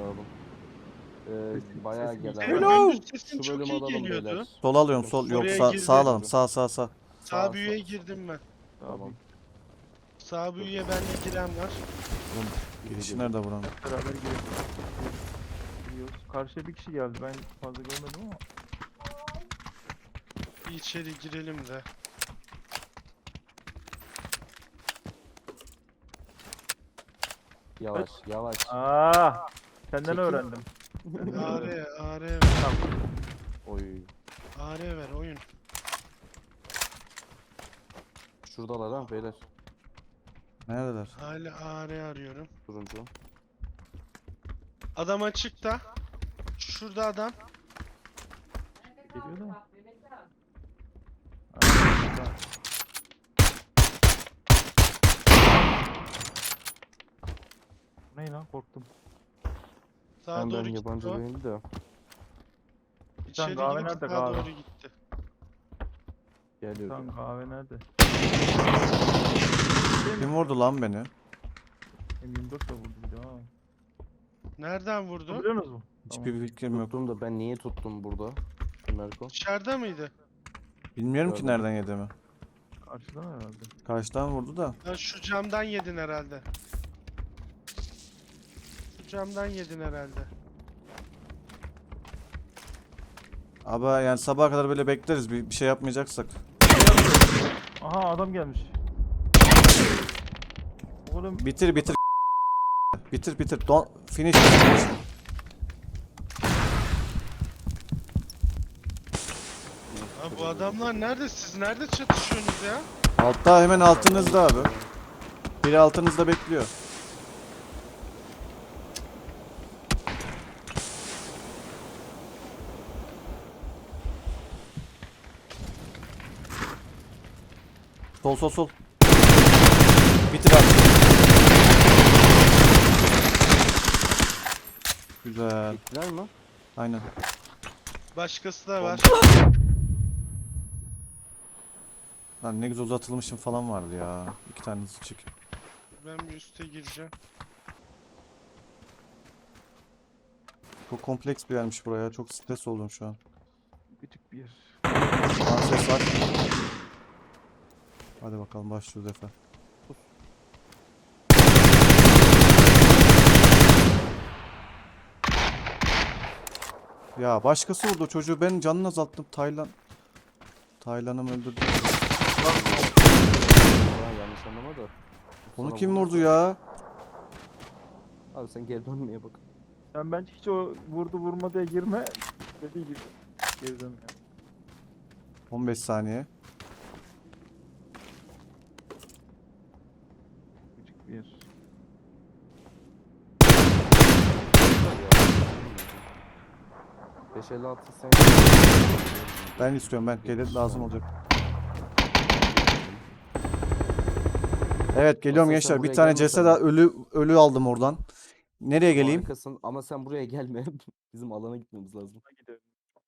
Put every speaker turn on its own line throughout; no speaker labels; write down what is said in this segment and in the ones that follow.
alalım. Bayağı gelen var.
Hello.
Gündüz sesin
Şu
çok
bölüm
iyi
alalım
geliyordu.
beyler.
Sol alıyorum sol. Yok
Oraya
sağ,
girdi.
sağ alalım. Sağ.
Sağ büyüye girdim ben.
Tamam.
Sağ büyüye benle giren var.
Girişi nerede buranın?
Beraber giriyoruz. Karşıya bir kişi geldi. Ben fazla görmedim ama.
Bir içeri girelim de.
Yavaş yavaş.
Senden
Çekil.
öğrendim.
AR ver.
Oy.
AR ver oyun.
Şuradalar ha beyler.
Neredeler?
Hala AR arıyorum.
Turuncu.
Adam açıkta. Şurada adam.
Geliyor da. Ne lan korktum.
Sağa
Ben
doğru gitti
yabancı
o.
değilim de.
İçeri
kahve
girip
nerede
sağa
kahve?
doğru gitti.
Geliyor.
Lan kahve nerede?
Kim vurdu lan beni?
M24 de vurdu bir daha.
Nereden vurdu?
Biliyor musunuz?
Hiçbir fikrim yok.
Tuttum da ben niye tuttum burada? Merko.
Dışarıda mıydı?
Bilmiyorum ki
Görmedim.
nereden yediğimi.
Karşıdan herhalde.
Karşıdan vurdu da.
Lan şu camdan yedin herhalde. Şu camdan yedin herhalde.
Abi yani sabaha kadar böyle bekleriz bir şey yapmayacaksak.
Aha adam gelmiş. Oğlum
Bitir. Bitir. Don't finish.
Abi bu adamlar nerede? Siz nerede çatışıyorsunuz ya?
Altta hemen altınızda abi. Biri altınızda bekliyor. Sol. Bitir abi. Güzel.
Gittiler mi?
Aynen.
Başkası da var.
Lan ne güzel uzatılmışım falan vardı ya. 2 tanesi çık.
Ben bir üste gireceğim.
Çok kompleks bir yermiş buraya. Çok stres oldum şu an.
küçük bir yer.
Lan ses var. Hadi bakalım başlıyoruz Efe. Ya başkası vurdu çocuğu, ben canını azalttım. Taylan'ım öldürdü.
Ha, yanlış anlama da.
Onu
Sana
kim
vurdu.
vurdu ya?
Abi sen geri dönmeye bak.
Sen bence hiç o vurdu vurma diye girme. Dediği gibi. Geri dön ya.
15 saniye.
Küçük bir yer.
Ya. 556 sen.
Ben istiyorum, ben gelir lazım olacak. Evet geliyorum
Aslında sen
gençler. Bir
buraya
tane
gelmesen
ceset
de-
ölü aldım oradan. Nereye geleyim?
Harikasın ama sen buraya gelme. Bizim alana gitmemiz lazım.
Buna gidelim.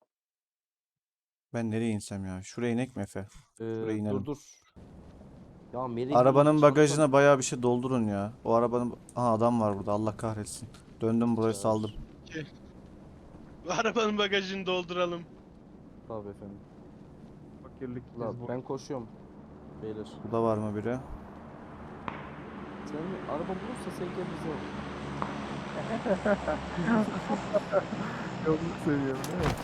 Ben nereye insem ya? Şuraya inek mi Efe? Şuraya inelim.
Dur. Ya Meri
Arabanın bagajına bayağı bir şey doldurun ya. O arabanın... Aha adam var burada, Allah kahretsin. Döndüm burayı saldım.
Bu arabanın bagajını dolduralım.
Tabii efendim.
Fakirlik.
La, ben koşuyorum. Beyler.
Burada var mı biri?
Sen araba bulursa sen gel bize al.
Yolunu seviyorum değil mi?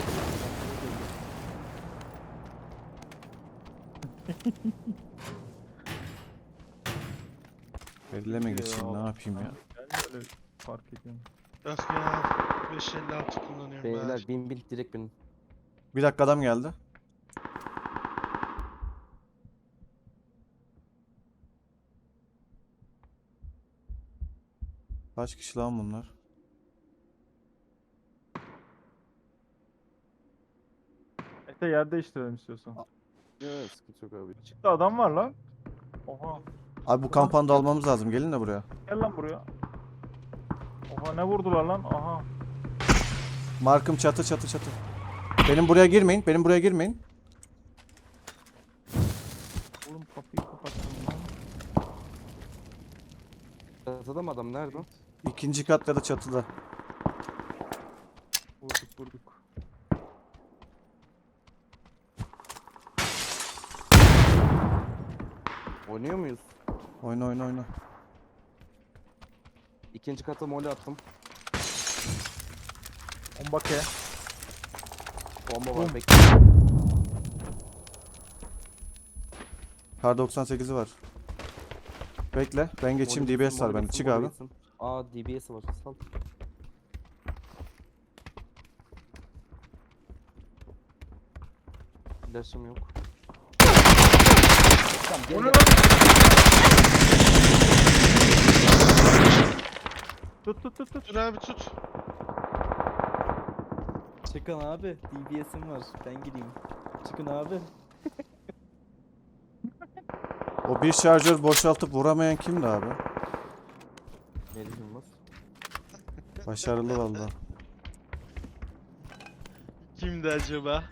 Belirleme geçeyim, ne yapayım ya?
Ben de öyle fark ediyorum.
Yok ya. 556 kullanıyorum
Beyler
ben.
bin direkt bin.
Bir dakika, adam geldi. Kaç kişi lan bunlar?
Ete yer değiştirelim istiyorsan.
Ya sıkıntı yok abi.
Çıktı adam var lan. Oha.
Abi bu kampanda almamız lazım. Gelin de buraya.
Gel lan buraya. Oha ne vurdular lan? Aha.
Markım çatı. Benim buraya girmeyin.
Oğlum kapıyı kapattım lan.
Çatıda mı adam nerede?
İkinci kat ya da çatıda.
Oynuyor muyuz?
Oyna oyna oyna.
İkinci kata mole attım.
Bombake.
Bomba
Bum.
var bekle.
Kar 98'i var. Bekle. Ben geçeyim.
Mole
DBS
gitsin,
var
mole
bende.
gitsin,
Çık
mole
abi.
gitsin. Aa DBS var. Sal. Flash'ım yok. Tamam gel
O ne
gel.
lan? Tut.
Dur abi tut.
Çıkın abi. DBS'im var. Ben gideyim. Çıkın abi.
O bir şarjör boşaltıp vuramayan kimdi abi?
Melih Yılmaz.
Başarılı valla.
Kimdi acaba?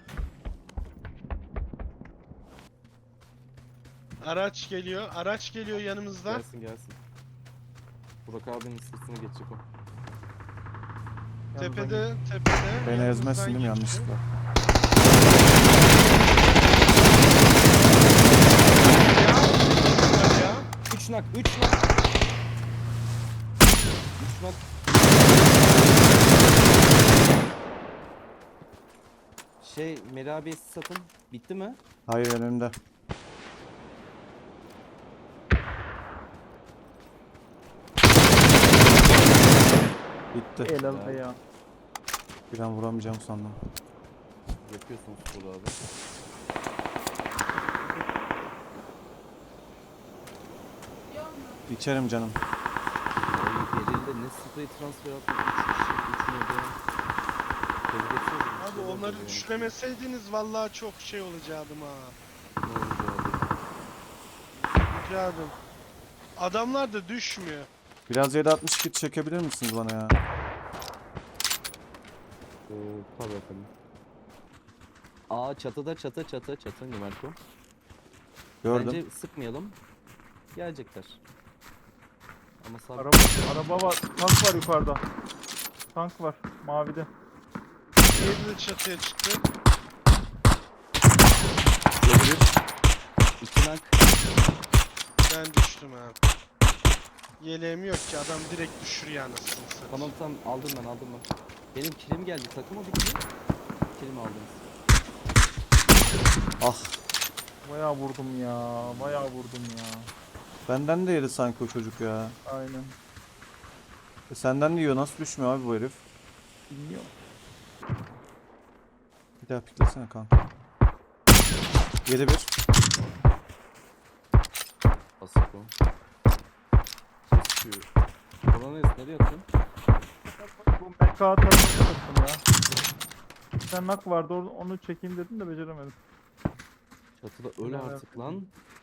Araç geliyor. Araç geliyor yanımızda.
Gelsin gelsin. Burak abinin sırtına geçecek o.
Tepede.
Beni
yanımızdan
ezmezsin değil mi
geçti.
yanlışlıkla?
Ya.
3 nak 3 nak. 3 nak. Melih abiye siz satın. Bitti mi?
Hayır önümde. Bitti.
El aldı ya.
Bir an vuramayacağım sandım.
Yapıyorsunuz Burak abi.
İçerim canım.
Ay gerildi ne sprey transfer attı. 3 kişi 3 mü Tebrik etsenize.
Abi
Bir şey
onları
oldu yani.
üçlemeseydiniz vallahi çok şey olacaktım ha.
Ne oldu abi?
Ricadım. Adamlar da düşmüyor.
Biraz 7.62 kit çekebilir misiniz bana ya?
Tabii efendim. Aa çatıda çatı Numarko.
Gördüm.
Bence sıkmayalım. Gelecekler. Ama sabit.
Araba var. Tank var yukarıda. Tank var. Mavide.
Diğeri de çatıya çıktı.
2 nak.
Ben düştüm ha. Yeleğim yok ki adam direkt düşürüyor anasını satayım.
Tamam aldım ben. Benim kilim geldi takıma bitti. Kilimi aldınız.
Ah.
Bayağı vurdum ya.
Benden de yedi sanki o çocuk ya.
Aynen.
Senden de yiyor. Nasıl düşmüyor abi bu herif?
Bilmiyorum.
Bir daha piklesene kanka. 7-1.
Basık o. Kesiyor. Kolonis nereye atıyorsun?
Bu MK tarafına baktım ya. Bir tane nak vardı onu çekeyim dedim de beceremedim.
Çatıda öl
Ne
artık lan.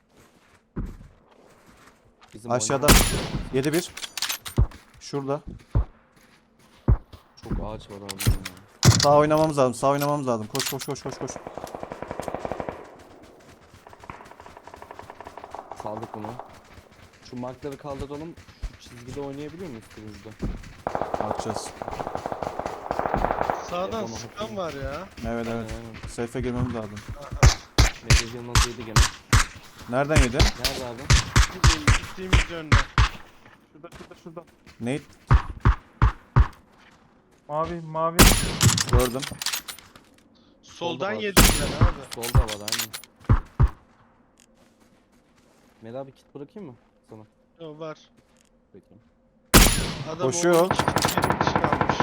Bizim
Aşağıda.
oynamamız-
7-1. Şurada.
Çok ağaç var abi. Ya.
Sağ oynamamız lazım. Koş.
Saldık bunu. Şu markları kaldıralım. Şu çizgide oynayabiliyor muyuz turuncuda?
Bakacağız.
Sağdan
Bana
sıkan
bakayım.
var ya.
Evet.
Aynen.
Safe'e girmemiz lazım.
Melih Yılmaz yedi gene.
Nereden yedi?
Nerede abi?
Gittiğimiz yönde.
Şurada.
Nate
Mavi.
gördüm.
Soldan
var.
yedim ben abi.
Solda var aynen. Melih abi kit bırakayım mı sana?
O var.
Peki.
Adam
Koşuyor.
o iki benim için almış.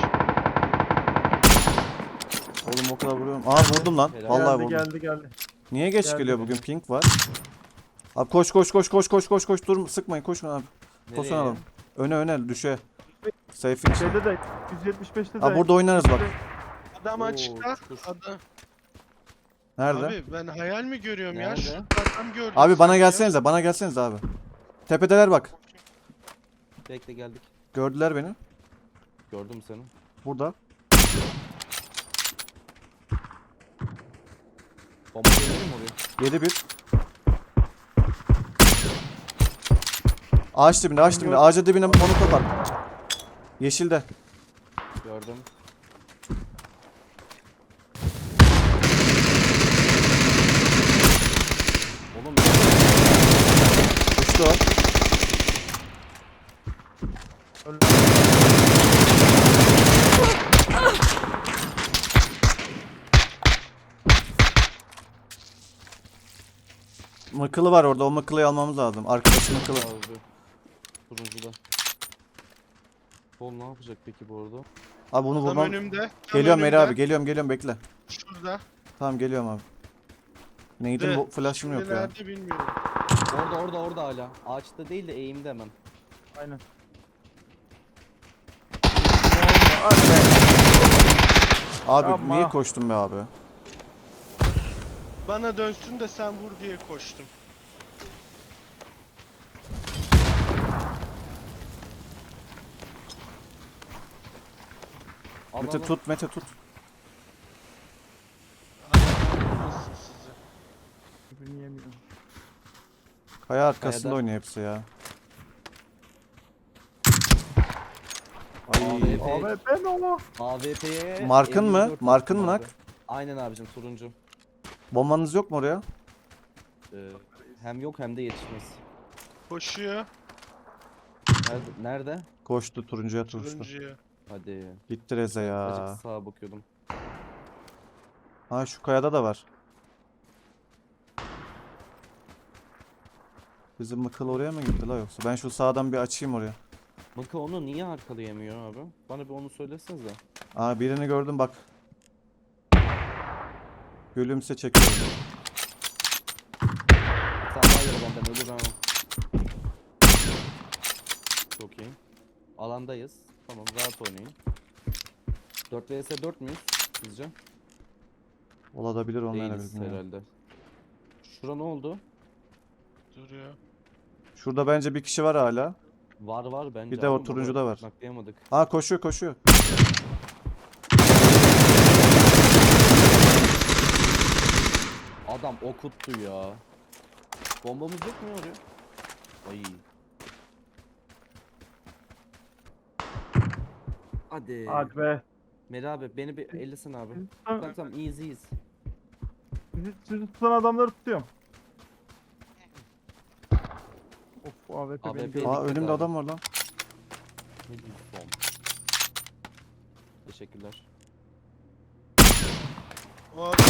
Oğlum o kadar vuruyorum. Aa vurdum lan.
Helal.
Vallahi vurdum.
Geldi.
Niye geç
Geldi.
geliyor bugün? Pink var. Abi koş. Dur sıkmayın koşun abi. Tosun
Nereye?
alalım. Öne düşe. Safe'in için.
Şeyde de 175'te de.
Abi burada oynarız bak.
Adam
Oo,
açıkta.
çukur.
Adam.
Nerede?
Abi ben hayal mi görüyorum ya?
Nerede?
Şurada adam gördüm.
Abi bana
sanki ya.
bana gelsenize abi. Tepedeler bak.
Bekle geldik.
Gördüler beni.
Gördüm seni.
Burada.
Bomba gelelim mi oraya?
7-1. Ağaç dibinde. Ağaca dibine onu kopar. Yeşilde.
Gördüm. Oğlum
Düştü o.
Öyle.
Mıkılı var orada. O mıkılıyı almamız lazım. Arkadaşın mıkılı.
Abi. Turuncuda. Bol ne yapacak peki bu arada?
Abi bunu
Tam
vurmam.
önümde. Tam
Geliyorum Meri
önümde.
abi. Geliyorum bekle.
Şurada.
Tamam geliyorum abi. Neydim
De,
bu flash'ım yok ya.
nerede bilmiyorum.
Orada hala. Ağaçta değil de eğimde hemen.
Aynen.
Abi
Yapma.
niye koştun be abi?
Bana dönsün de sen vur diye koştum.
Al,
Mete
al, al.
tut Mete tut.
Nasıl sizi?
Birbirini yemiyorum.
Kaya arkasında
Kayada.
oynuyor hepsi ya.
Ay.
AWP mi o?
AWP'ye
Markın mı?
54
Markın mı
attım
nak?
abi. Aynen abicim turuncu.
Bombanız yok mu oraya?
Hem yok hem de yetişmez.
Koşuyor.
Nerede?
Koştu turuncuya koştu.
Turuncuya.
Hadi.
Gitti Reze ya.
Azıcık sağa bakıyordum.
Ha şu kayada da var. Bizim mıkıl oraya mı gitti la yoksa? Ben şu sağdan bir açayım oraya.
Maka onu niye arkalayamıyor abi? Bana bir onu söylesenize.
Aa birini gördüm bak. Gülümse çekiyorum.
Sen daha iyi benden ölür ama. Çok iyi. Alandayız. Tamam rahat oynayın. 4 vs 4 müyüz sizce?
Olabilir
Değiliz
olmayabilir. bilmiyorum.
herhalde. Şura ne oldu?
Duruyor.
Şurada bence bir kişi var hala.
Var bence.
Bir de o
ama
turuncuda var.
Naklayamadık.
Aa koşuyor.
Adam okuttu ya. Bombamız yok mu ya oraya? Ay. Hadi.
Hadi be.
Meri abi beni bir ellesin abi. Tamam easy'yiz.
Sizi tutan adamları tutuyorum. Of AWP beni
AWP
gördü.
Aa
dikkat
önümde
abi.
adam var lan.
Ne diyeyim, bomb. Teşekkürler.
O adam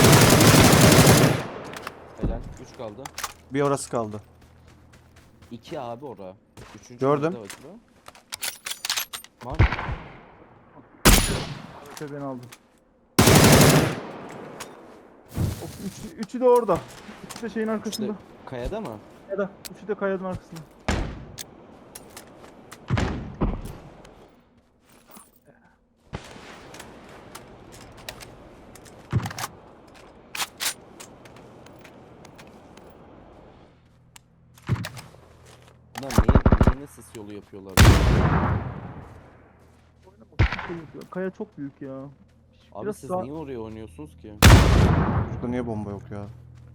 Helal. 3 kaldı.
Bir orası kaldı.
2 abi ora. 3.
Gördüm.
Var.
AWP beni aldı. Of üçü de orada. Üçü de şeyin arkasında.
Kayada mı?
Kayada. Üçü de kayanın arkasında.
Bunlar niye sis yolu yapıyorlar?
Kaya çok büyük ya.
Abi
Biraz
siz
sağ-
niye oraya oynuyorsunuz ki?
Burada niye bomba yok ya?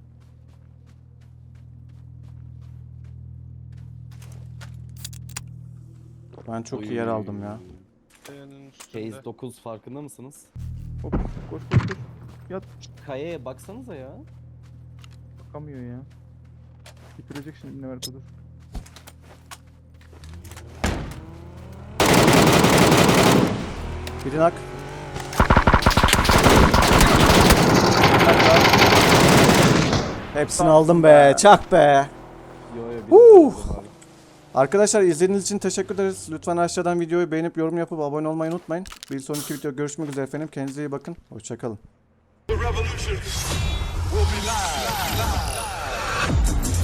Ben çok iyi yer aldım ya.
kayanın üstünde.
Phase 9 farkında mısınız?
Hop koş. Yat.
Kayaya baksanıza ya.
Bakamıyor ya. Bitirecek şimdi ne var dur.
Biri nak. Hepsini aldım be. Çak be.
Yo
Arkadaşlar izlediğiniz için teşekkür ederiz. Lütfen aşağıdan videoyu beğenip yorum yapıp abone olmayı unutmayın. Bir sonraki video görüşmek üzere efendim. Kendinize iyi bakın. Hoşçakalın.
The revolution will be live.